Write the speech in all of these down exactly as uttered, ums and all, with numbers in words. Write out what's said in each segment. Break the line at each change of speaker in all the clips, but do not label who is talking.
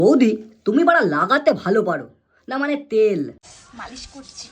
বৌদি তুমি বাড়া লাগাতে ভালো পারো না, মানে তেল
মালিশ করছি।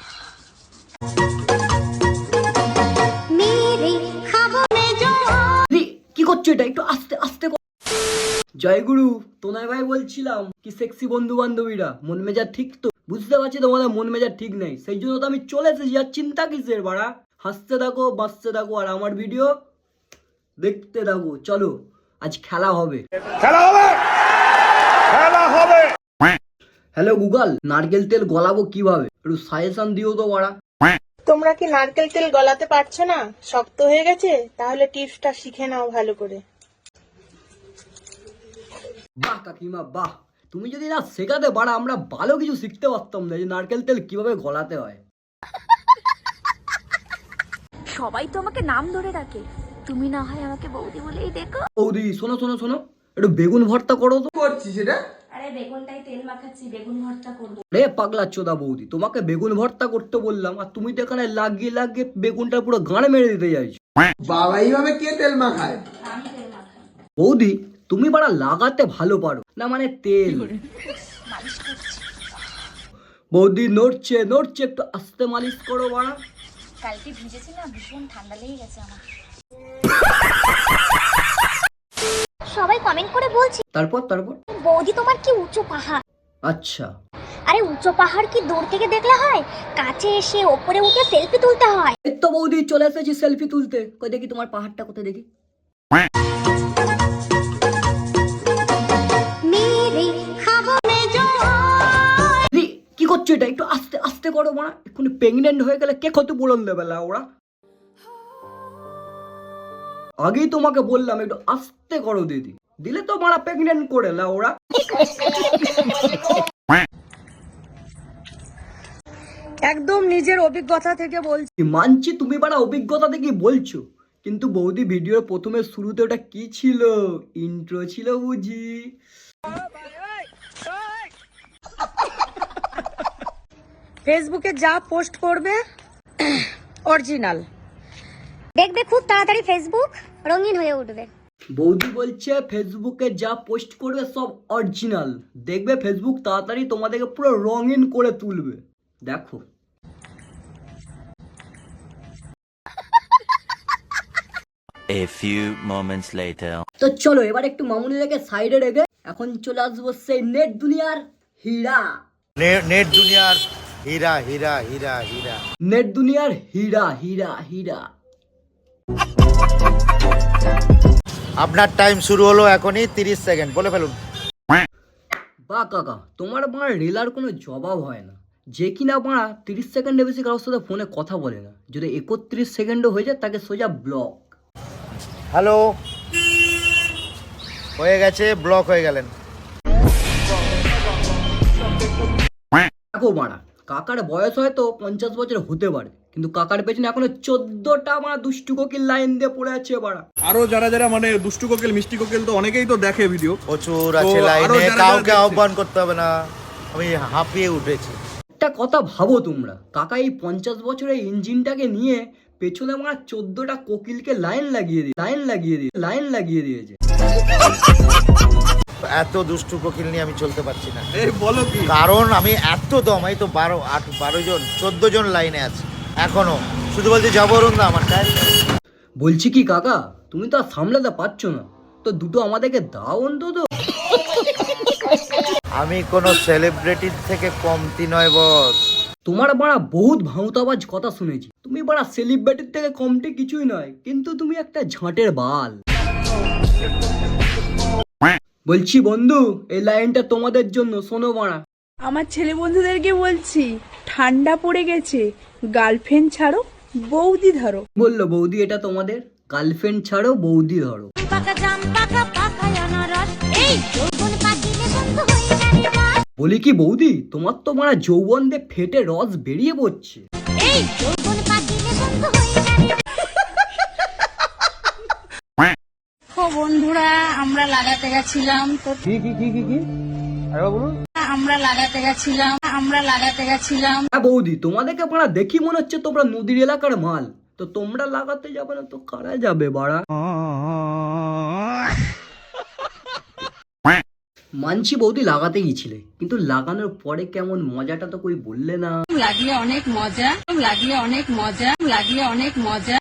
কি করছো এটা? একটু আস্তে আস্তে। জয়গুরু, তোনাই ভাই বলছিলাম কি সেক্সি বন্ধু বান্ধবীরা মন মেজাজ ঠিক তো? বুঝতে পারছি তোমাদের মন মেজাজ ঠিক নেই, সেই জন্য তো আমি চলে এসেছি। আর চিন্তা কিসের বাড়া? হাসতে থাকো, বাঁচতে থাকো, আর আমার ভিডিও দেখতে থাকো। চলো আজ খেলা হবে,
খেলা হবে, খেলা হবে।
হ্যালো গুগল, নারকেল তেল গলাবো কিভাবে? একটু সাজেশন দিও তো বাড়া।
তোমরা কি নারকেল তেল গলাতে পারছো না? শক্ত হয়ে গেছে? তাহলে টিপসটা শিখে নাও ভালো করে।
বাহ কাকিমা বাহ, তুমি যদি না শেখাতে বাড়া আমরা ভালো কিছু শিখতে পারতাম না, যে নারকেল তেল কিভাবে গলাতে হয়।
সবাই তো আমাকে নাম ধরে ডাকে, তুমি না হয় আমাকে বৌদি বলেই দেখো।
বৌদি শোনো শোনো শোনো, একটু বেগুন ভর্তা করো তো।
করছিস এটা?
আরে বেগুনটাই তেল মাখাচ্ছি, বেগুন ভর্তা করবো।
রে পাগলা চোদা বৌদি, তোমাকে বেগুন ভর্তা করতে বললাম আর তুমি তো এখানে লাগিয়ে লাগিয়ে বেগুনটা পুরো গাঁড়ে মেরে দিতে চাইছো।
বাবা এইভাবে কে তেল মাখায়?
আমি তেল মাখাই।
বৌদি তুমি বাড়া লাগাতে ভালো পারো না, মানে তেল।
মালিশ করছি।
বৌদি নড়ছে নড়ছে, একটু আস্তে মালিশ করো বাড়া।
কালকে ভিজেছি না, ভীষণ ঠান্ডা লেগে গেছে আমার।
সবাই কমেন্ট করে বলছে
তারপর তারপর
বৌদি তোমার কি উঁচু পাহাড়।
আচ্ছা,
আরে উঁচু পাহাড় কি দূর থেকে দেখলে হয়? কাছে এসে ওপরে উঠে সেলফি তুলতে হয়।
এই তো বৌদি চলে এসেছি সেলফি তুলতে। কই দেখি তোমার পাহাড়টা, কোথায় দেখি। দি, কি করছো এটা? একটু আস্তে আস্তে করো বাড়া, এক্ষুনি প্রেগনেন্ট হয়ে গেলে কে কত বলন দেবে লা ওরা। আগেই তোমাকে বললাম একটু আস্তে করো দিদি, দিলে তো মারা প্রেগনেন্ট করে লা ওরা।
একদম নিজের অভিজ্ঞতা থেকে বলছি।
মানছি তুমি বাড়া অভিজ্ঞতা থেকে বলছো, কিন্তু বৌদি ভিডিওর প্রথমে শুরুতে ওটা কি ছিল? ইন্ট্রো ছিল বুঝি।
ফেসবুকে যা পোস্ট করবে অরিজিনাল।
দেখবে খুব তাড়াতাড়ি ফেসবুক রঙিন হয়ে উঠবে।
বৌদি বলছে ফেসবুকে যা পোস্ট করবে সব অরিজিনাল, দেখবে ফেসবুক তাড়াতাড়ি তোমাদেরকে পুরো রঙিন করে তুলবে। দেখো
A few moments later.
তো চলো এবার একটু মামুনিটাকে সাইডে রেখে এখন চলে আসবো সেই নেট দুনিয়ার হীরা।
নেট দুনিয়ার হীরা হীরা হীরা হীরা
নেট দুনিয়ার হীরা হীরা হীরা।
আপনার টাইম শুরু হলো এখনই, তিরিশ সেকেন্ড বলে ফেলুন।
বা কাকা, তোমার বাঁড়া রেলার কোনো জবাব হয় না, যে কিনা বাঁড়া তিরিশ সেকেন্ডে বেশি কারোর সাথে ফোনে কথা বলে না। যদি একত্রিশ সেকেন্ডও হয়ে যায় তাকে সোজা ব্লক।
হ্যালো, হয়ে গেছে, ব্লক হয়ে গেলেন।
দেখো বাঁড়া, কাকার বয়স হয়তো পঞ্চাশ বছর হতে পারে, কিন্তু কাকার পেছনে এখনো চোদ্দটা বাঁড়া দুষ্টু কোকিল লাইন দিয়ে পড়ে আছে বাঁড়া।
আরো যারা যারা মানে দুষ্টু কোকিল মিষ্টি কোকিল তো অনেকেই তো দেখে ভিডিও,
প্রচুর আছে লাইনে, কাউকে আহ্বান করতে হবে না, আমি হাঁপিয়ে উঠেছি।
একটা কথা ভাবো তোমরা, কাকা এই পঞ্চাশ বছরের ইঞ্জিনটাকে নিয়ে পেছনে আমার চোদ্দটা কোকিলকে লাইন লাগিয়ে দিয়ে লাইন লাগিয়ে দিয়ে লাইন লাগিয়ে দিয়েছে।
এত দুষ্টু কোকিল নিয়ে আমি চলতে পারছি না।
এই বলো কি?
কারণ আমি এত দম, আমি তো বারো আট বারো জন চোদ্দ জন লাইনে আছে এখনো, শুধু বলছে যাবরুন না আমার টাইম।
বলছি কি কাকা, তুমি তো আর সামলাতে পারছো না, তো দুটো আমাদেরকে দাও অন্তত।
আমি কোনো সেলিব্রিটির থেকে কমতি নয় বস।
তোমার বাড়া বহুত ভাঁওতাবাজ কথা শুনেছি, তুমি বাড়া সেলিব্রিটির থেকে কমটি কিছুই নয়, কিন্তু তুমি একটা ঝাঁটের বাল। বলছি বন্ধু, এই লাইনটা তোমাদের জন্য, শোনো বাড়া।
আমার ছেলে বন্ধুদেরকে বলছি, ঠান্ডা পড়ে গেছে, গার্লফ্রেন্ড ছাড়ো, বৌদি ধরো।
বললো বৌদি এটা তোমাদের, গার্লফ্রেন্ড ছাড়ো বৌদি ধরো। বলি কি বৌদি, তোমার তো মারা যৌবন দিয়ে ফেটে রস বেরিয়ে পড়ছে।
বন্ধুরা আমরা লাগাতে গেছিলাম তো,
কি কি কি কি কি আরে বলুন।
আমরা লাগাতে গেছিলাম আমরা লাগাতে গেছিলাম
হ্যাঁ বৌদি, তোমাদেরকে বাড়া দেখি মনে হচ্ছে তোমরা নদীর এলাকার মাল, তো তোমরা লাগাতে যাবে না তো কারা যাবে বাড়া? মানছি বৌদি লাগাতে গিয়েছিলে, কিন্তু লাগানোর পরে কেমন মজাটা তো কই বললে না।
লাগলে অনেক মজা, লাগলে অনেক মজা, লাগলে অনেক মজা।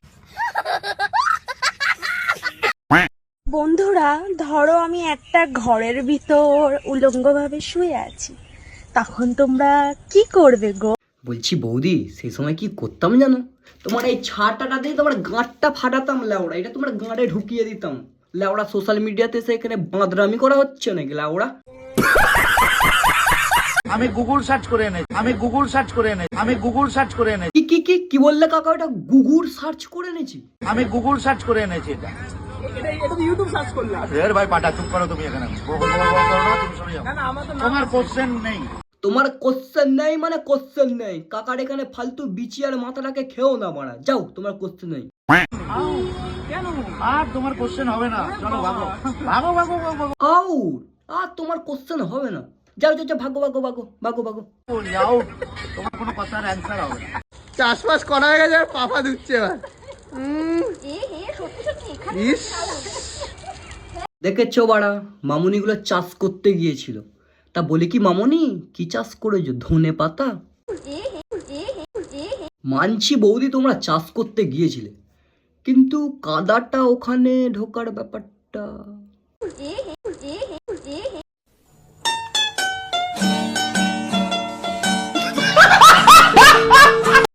বন্ধুরা, ধরো আমি একটা ঘরের ভিতর উলঙ্গ ভাবে শুয়ে আছি, তখন তোমরা কি করবে গো?
বলছি বৌদি, সেই সময় কি করতাম জানো? তোমার এই ছাটাটা দিয়ে তোমার গাঁটটা ফাটাতাম লেওড়া, এটা তোমার গাঁটে ঢুকিয়ে দিতাম লেওড়া। সোশ্যাল মিডিয়াতে এসে এখানে বাঁদরামি করা হচ্ছে নাকি লেওড়া?
আমি গুগল সার্চ করে এনেছি আমি গুগল সার্চ করে এনেছি আমি গুগল সার্চ করে এনেছি
কি কি কি কি বললে কাকা? ওটা গুগুর সার্চ করে এনেছি?
আমি গুগল সার্চ করে এনেছি এটা রের ভাই পাটা চুপ করো তুমি এখানে বো বো বো বো করো না, তুমি সরে যাও। তোমার কোশ্চেন নেই।
তোমার কোশ্চেন নেই মানে কোশ্চেন নেই। কাকার এখানে ফালতু বিচি আর মাথাটাকে খেও না মারা, যাও, তোমার কোশ্চেন নেই।
আর তোমার কোশ্চেন হবে না, চলো ভাগো ভাগো ভাগো ভাগো
আউট, আর তোমার কোশ্চেন হবে না, যাও যাও যাও, ভাগো ভাগো ভাগো ভাগো ভাগো।
যাও, তোমার কোনো কথার অ্যান্সার হবে না।
চাষবাস করা হয়ে গেছে, আর পাপা দিচ্ছে এবার। ইস,
দেখেছো বাড়া, মামুনিগুলো চাষ করতে গিয়েছিল, তা বলি কি মামুনি কি চাষ করেছো? ধনে পাতা? মানছি বৌদি তোমরা চাষ করতে গিয়েছিলে, কিন্তু কাদাটা ওখানে ঢোকার ব্যাপারটা